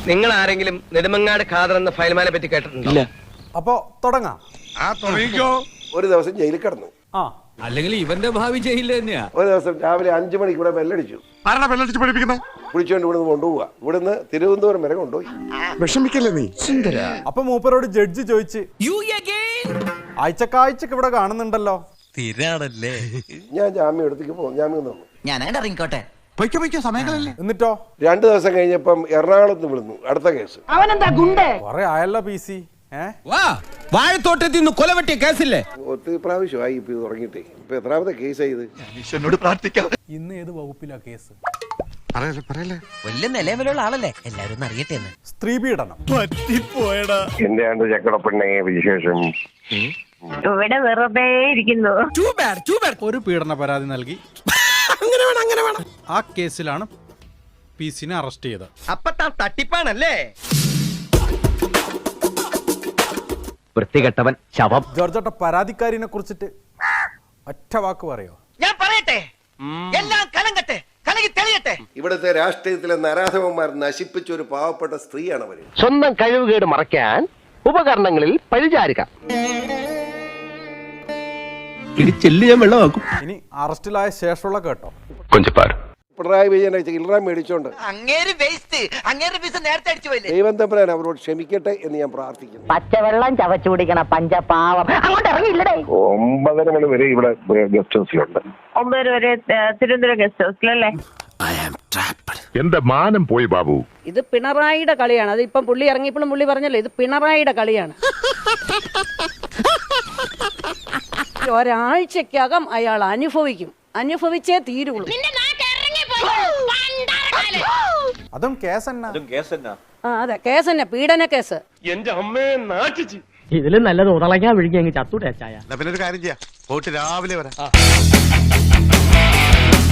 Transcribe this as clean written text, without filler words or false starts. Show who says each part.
Speaker 1: നിങ്ങൾ ആരെങ്കിലും നെടുമങ്ങാട് ഖാദർ എന്ന ഫയൽമാനെ പറ്റി കേട്ടിട്ടുണ്ടോ?
Speaker 2: അപ്പോ തുടങ്ങാം.
Speaker 3: ഒരു ദിവസം ജയിലിൽ കിടന്നു.
Speaker 4: അല്ലെങ്കിൽ ഇവന്റെ ഭാവി ജയിലിൽ തന്നെയാ.
Speaker 3: ഒരു ദിവസം രാവിലെ 5 മണിക്ക് ഇവിടെ ബെല്ലടിച്ചു. വിളിച്ചോണ്ട് ഇവിടുന്ന് കൊണ്ടുപോവുക. ഇവിടുന്ന് തിരുവനന്തപുരം വരെ കൊണ്ടുപോയി.
Speaker 5: വിഷമിക്കല്ലേ നീ?
Speaker 2: അപ്പൊ മൂപ്പരോട് ജഡ്ജി ചോദിച്ച്, ആഴ്ചക്കാഴ്ചക്ക് ഇവിടെ കാണുന്നുണ്ടല്ലോ,
Speaker 6: സ്ഥിരാണല്ലേ?
Speaker 3: ഞാൻ ജാമ്യം എടുത്തേക്ക് പോകും. ജാമ്യം തന്നു.
Speaker 6: ഞാൻ ഇറങ്ങിക്കോട്ടെ.
Speaker 2: എന്നിട്ടോ
Speaker 3: 2 ദിവസം കഴിഞ്ഞപ്പം എറണാകുളത്ത് വിടുന്നു. അടുത്ത കേസ്.
Speaker 2: കൊറേ ആയല്ലോ പി സി.
Speaker 4: വാഴത്തോട്ടത്തിൽ നിന്ന് കൊലവെട്ടിയ കേസില്ലേ?
Speaker 3: ഒത്തിരി പ്രാവശ്യമായി ഇപ്പൊ ഇത് തുടങ്ങിയിട്ടേ. ഇപ്പൊ എത്രാമത്തെ കേസായി ഇത്?
Speaker 2: ഇന്ന് ഏത് വകുപ്പിലാ കേസ്?
Speaker 6: വലിയ നിലവിലുള്ള ആളല്ലേ, എല്ലാരും അറിയട്ടെ.
Speaker 2: സ്ത്രീ പീഡനം.
Speaker 3: എന്റെ ആണ്ട് ചക്കടപ്പെണ്ണേ വിശേഷം.
Speaker 7: ഇവിടെ വെറുതെ ഇരിക്കുന്നു.
Speaker 2: ഒരു പീഡന പരാതി നൽകി. ആ കേസിലാണ് പി സിനെ അറസ്റ്റ് ചെയ്തത്.
Speaker 1: അപ്പൊ തട്ടിപ്പാണല്ലേ? വൃത്തികെട്ടവൻ ശവം.
Speaker 2: ജോർജേട്ട, പരാതിക്കാരിനെ കുറിച്ചിട്ട് ഒറ്റ വാക്ക് പറയോ?
Speaker 1: ഞാൻ പറയട്ടെ, എല്ലാം കലങ്കട്ടെ, കലങ്ങി തെളിയട്ടെ.
Speaker 3: ഇവിടുത്തെ രാഷ്ട്രീയത്തിലെ നരാധവന്മാർ നശിപ്പിച്ച ഒരു പാവപ്പെട്ട സ്ത്രീയാണ് അവര്.
Speaker 1: സ്വന്തം കഴിവുകേട് മറയ്ക്കാൻ ഉപകരണങ്ങളിൽ പഴിചാരുക.
Speaker 2: ഇനി അറസ്റ്റിലായ ശേഷമുള്ള കേട്ടോ.
Speaker 3: പിണറായി വിജയനെ ചില്ലറ മേടിച്ചോണ്ട്
Speaker 6: അങ്ങേര് വേസ്റ്റ്, അങ്ങേര് പീസ് നേരത്തെ അടിച്ചു പോയില്ലേ?
Speaker 3: ദൈവം തമ്പുരാൻ അവരോട് ക്ഷമിക്കട്ടെ എന്ന് ഞാൻ പ്രാർത്ഥിക്കുന്നു.
Speaker 7: പച്ചവെള്ളം ചവച്ചു കുടിക്കണ പഞ്ചപാവം അങ്ങോട്ട് ഇറങ്ങിയില്ലടേ.
Speaker 3: 9 മണി വരെ ഇവിടെ ഗസ്റ്റ് ഹൗസിലുണ്ട്.
Speaker 7: 9 വരെ തിരുവനന്തപുരം ഗസ്റ്റ് ഹൗസിലല്ലേ?
Speaker 5: എന്റെ മാനം പോയി ബാബു.
Speaker 8: ഇത് പിണറായിയുടെ കളിയാണ്. അത് ഇപ്പം പുള്ളി ഇറങ്ങിയപ്പോഴും പുള്ളി പറഞ്ഞല്ലോ, ഇത് പിണറായിയുടെ കളിയാണ്. ഒരാഴ്ചക്കകം അയാൾ അനുഭവിച്ചേ തീരുള്ളൂ.
Speaker 2: അതും കേസ് തന്നെ.
Speaker 8: അതെ, കേസ് തന്നെ, പീഡന കേസ്.
Speaker 1: എന്റെ അമ്മയെ നാട്ടിച്ച്.
Speaker 9: ഇതിലും നല്ലത് ഉടളയ്ക്കാൻ വിഴിക്കാൻ ചത്തൂടെ ചായ.
Speaker 5: പിന്നെ ഒരു കാര്യം ചെയ്യാം, പോയിട്ട് രാവിലെ വരാം.